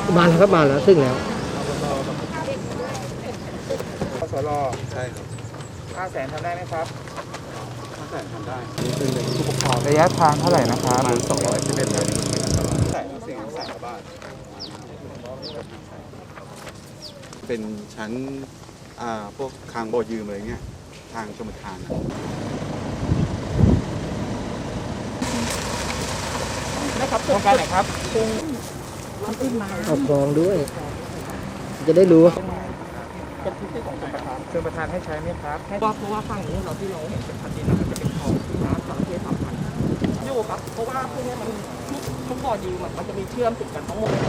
มาแล้วครับมาแล้วซึ่งแล้วกสรใช่ครับ 500,000ทำได้ไหมครับ 500,000ทำได้เป็นผู้ปกครองระยะทางเท่าไหร่นะครับประมาณ211เมตรใช่400,000 บาทเป็นชั้นพวกคางโบยืมอะไรเงี้ยทางชมทานนะครับโครงการไหนครับเอากรองด้วย จะได้รู้เป็นพื้นที่ของชลประทานให้ใช้ไหมครับเพราะว่าฝั่งนี้เราที่เราเห็นเป็นพันดินมันจะเป็นคลองที่น้ำสังเกตสัมพันธ์อยู่ครับเพราะว่าพวกนี้มันทุกบ่อยืมมันจะมีเชื่อมติดกันทั้งหมด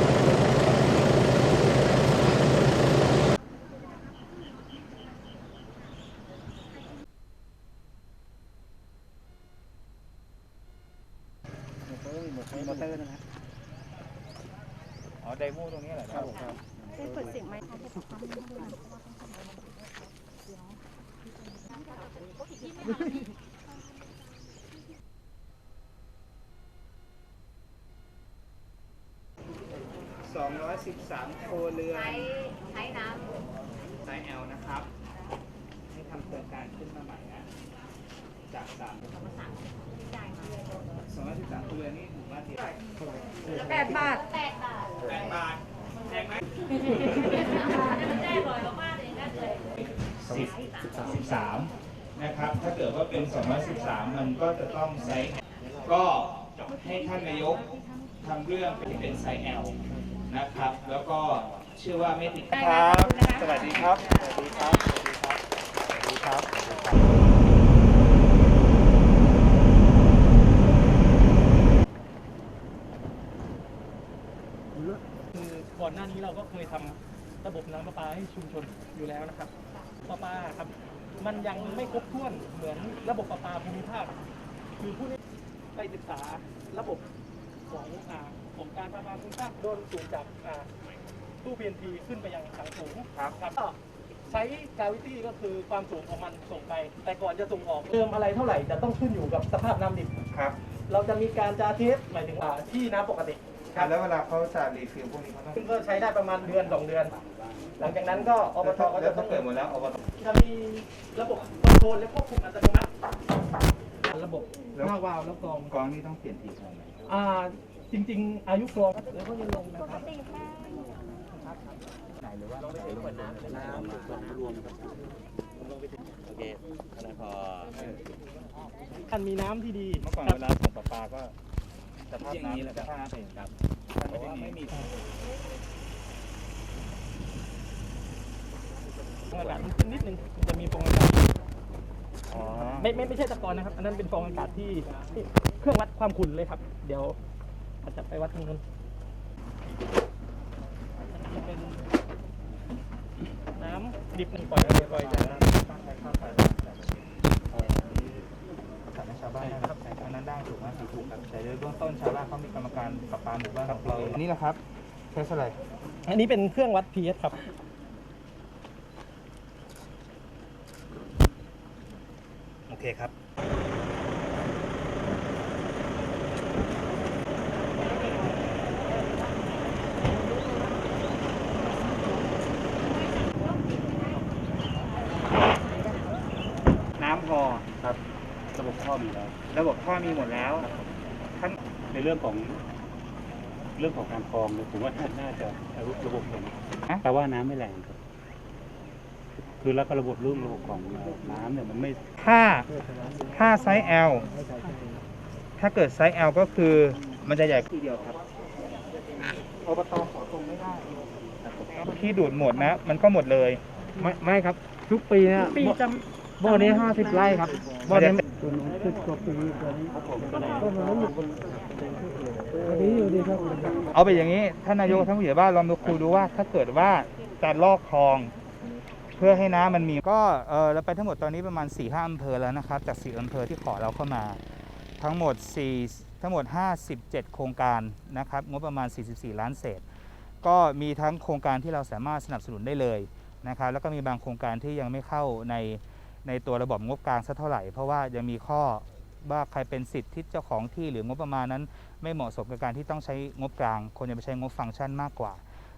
มอเตอร์นะอ๋อไดโม่ตรงนี้แหละครับได้เปิดเสียงไหมคะ 213 โครเรือนใช้น้ไซส์ L นะครับให้ทำโครงการขึ้นมาใหม่นะจาก213 โครเรือนนี่ถือว่าดี 8 บาท 8 บาทแพงไหม13นะครับถ้าเกิดว่าเป็น213มันก็จะต้องไซส์ก็ให้ท่านนายกทำเรื่องเป็นไซส์ L นะครับแล้วก็เชื่อว่าไม่ติดครับสวัสดีครับสวัสดีครับสวัสดีครับคือก่อนหน้านี้เราก็เคยทำระบบน้ำประปาให้ชุมชนอยู่แล้วนะครับประปาครับมันยังไม่ครบถ้วนเหมือนระบบประปาภูมิภาคคือผู้นี้ไปศึกษาระบบของการประปาภูมิภาคโดนสูงจากตู้ PNP ขึ้นไปยังถังสูงครับก็ใช้กาวิตี้ก็คือความสูงของมันส่งไปแต่ก่อนจะส่งออกเติมอะไรเท่าไหร่จะต้องขึ้นอยู่กับสภาพน้ำดิบครับเราจะมีการจาเทสหมายถึงที่น้ำปกติครับแล้วเวลาเขาจะรีฟิลพวกนี้เขาต้องก็ใช้ได้ประมาณเดือน2 เดือนหลังจากนั้นก็อบตก็จะต้องเปิดหมดแล้วอบตจะมีระบบคอนโทรลและควบคุมอัตโนมัติระบบหน้าวาล์วแล้วกรองนี่ต้องเปลี่ยนทีเท่าไหร่จริงๆอายุกรองแล้วก็ยังลงนะครับไหนหรือว่าเราไปเปิดน้ำรวมโอเคขนาดพอท่านมีน้ำที่ดีเมื่อก่อนเวลาส่งประปาก็สภาพน้ำสภาพเป็นครับเพราะว่าไม่มีฟองอากาศมันขึ้นนิดนึงมันจะมีฟองอากาศไม่ใช่ตะกอนนะครับอันนั้นเป็นฟองอากาศที่เครื่องวัดความขุ่นเลยครับเดี๋ยวอาจจะไปวัดตรงนั้นจะเป็นน้ำดิบปล่อยจากน้ำตั้งใจเข้าไปจัดให้ชาวบ้านนะครับอันนั้นได้ถูกไหมถูกครับแต่โดยเบื้องต้นชาวบ้านเขามีกรรมการประปาหมู่บ้านของเราอันนี้แหละครับใช้อะไรอันนี้เป็นเครื่องวัด pH ครับโอเคครับน้ำพอครับระบบท่อมีแล้วระบบท่อมีหมดแล้วท่านในเรื่องของการกรองผมว่าท่านน่าจะระบบผมแต่ว่าน้ำไม่แรงครับคือแล้วก็ระบบของน้ำเนี่ยมันไม่ถ้าไซส์ L ถ้าเกิดไซส์ L ก็คือมันจะใหญ่ทีเดียวครับอบตขอตรงไม่ได้ที่ดูดหมดนะมันก็หมดเลยไม่ครับทุกปีเนี่ยบ่อนี้50 ไร่ครับบ่อนี้10 กว่าปีกว่านี้เอาไปอย่างนี้ท่านนายกท่านผู้ใหญ่บ้านลองดูคุยดูว่าถ้าเกิดว่าจะลอกคลองเพื่อให้น้ำมันมีก็เราไปทั้งหมดตอนนี้ประมาณ 4-5 อำเภอแล้วนะครับจาก4 อำเภอที่ขอเราเข้ามาทั้งหมด57 โครงการนะครับงบประมาณ44 ล้านเศษก็มีทั้งโครงการที่เราสามารถสนับสนุนได้เลยนะครับแล้วก็มีบางโครงการที่ยังไม่เข้าในตัวระบบงบกลางสักเท่าไหร่เพราะว่ายังมีข้อว่าใครเป็นสิทธิ์ที่เจ้าของที่หรืองบประมาณนั้นไม่เหมาะสมกับการที่ต้องใช้งบกลางควรจะไปใช้งบฟังก์ชันมากกว่า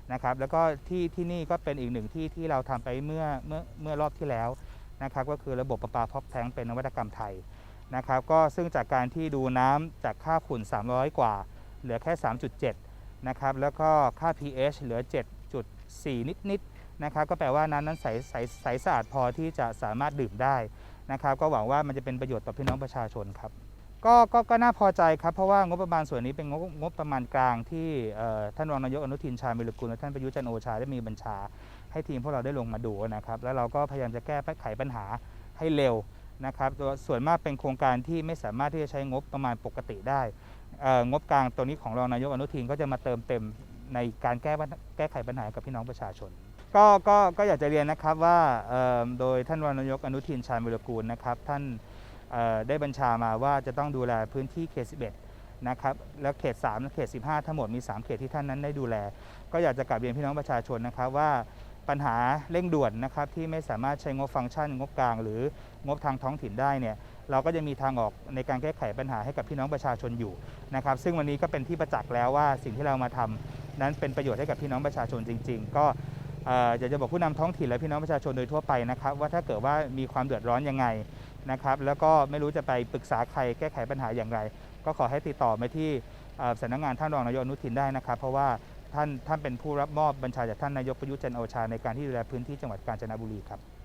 นะครับแล้วก็ที่นี่ก็เป็นอีกหนึ่งที่เราทำไปเมื่อรอบที่แล้วนะครับก็คือระบบประปาพอกแท้งเป็นนวัตกรรมไทยนะครับก็ซึ่งจากการที่ดูน้ำจากค่าฝุ่น300กว่าเหลือแค่ 3.7 นะครับแล้วก็ค่า pH เหลือ 7.4 นิดๆนะครับก็แปลว่าน้ำนั้นใสสะอาดพอที่จะสามารถดื่มได้นะครับก็หวังว่ามันจะเป็นประโยชน์ต่อพี่น้องประชาชนครับก็น่าพอใจครับเพราะว่างบประมาณส่วนนี้เป็นงบประมาณกลางที่ท่านรองนายกอนุทินชาญวิรุฬกุลและท่านประยุทธ์จันทร์โอชาได้มีบัญชาให้ทีมพวกเราได้ลงมาดูนะครับแล้วเราก็พยายามจะแก้ไขปัญหาให้เร็วนะครับส่วนมากเป็นโครงการที่ไม่สามารถที่จะใช้งบประมาณปกติได้งบกลางตัวนี้ของรองนายกอนุทินก็จะมาเติมเต็มในการแก้ไขปัญหากับพี่น้องประชาชนก็อยากจะเรียนนะครับว่าโดยท่านรองนายกอนุทินชาญวิรุฬกุลนะครับท่านได้บัญชามาว่าจะต้องดูแลพื้นที่เขต 11 นะครับแล้วเขต 3 และเขต 15 ทั้งหมดมี 3 เขตที่ท่านนั้นได้ดูแลก็อยากจะกลับเรียนพี่น้องประชาชนนะครับว่าปัญหาเร่งด่วนนะครับที่ไม่สามารถใช้งบฟังก์ชันงบกลางหรืองบทางท้องถิ่นได้เนี่ยเราก็จะมีทางออกในการแก้ไขปัญหาให้กับพี่น้องประชาชนอยู่นะครับซึ่งวันนี้ก็เป็นที่ประจักษ์แล้วว่าสิ่งที่เรามาทำนั้นเป็นประโยชน์ให้กับพี่น้องประชาชนจริงๆก็อยากจะบอกผู้นำท้องถิ่นและพี่น้องประชาชนโดยทั่วไปนะครับว่าถ้าเกิดว่ามีความเดือดร้อนยังไงนะครับแล้วก็ไม่รู้จะไปปรึกษาใครแก้ไขปัญหาอย่างไรก็ขอให้ติดต่อมาที่สำนักงานท่านรองนายกอนุทินได้นะครับเพราะว่าท่านเป็นผู้รับมอบบัญชาจากท่านนายกประยุทธ์จันทร์โอชาในการที่ดูแลพื้นที่จังหวัดกาญจนบุรีครับ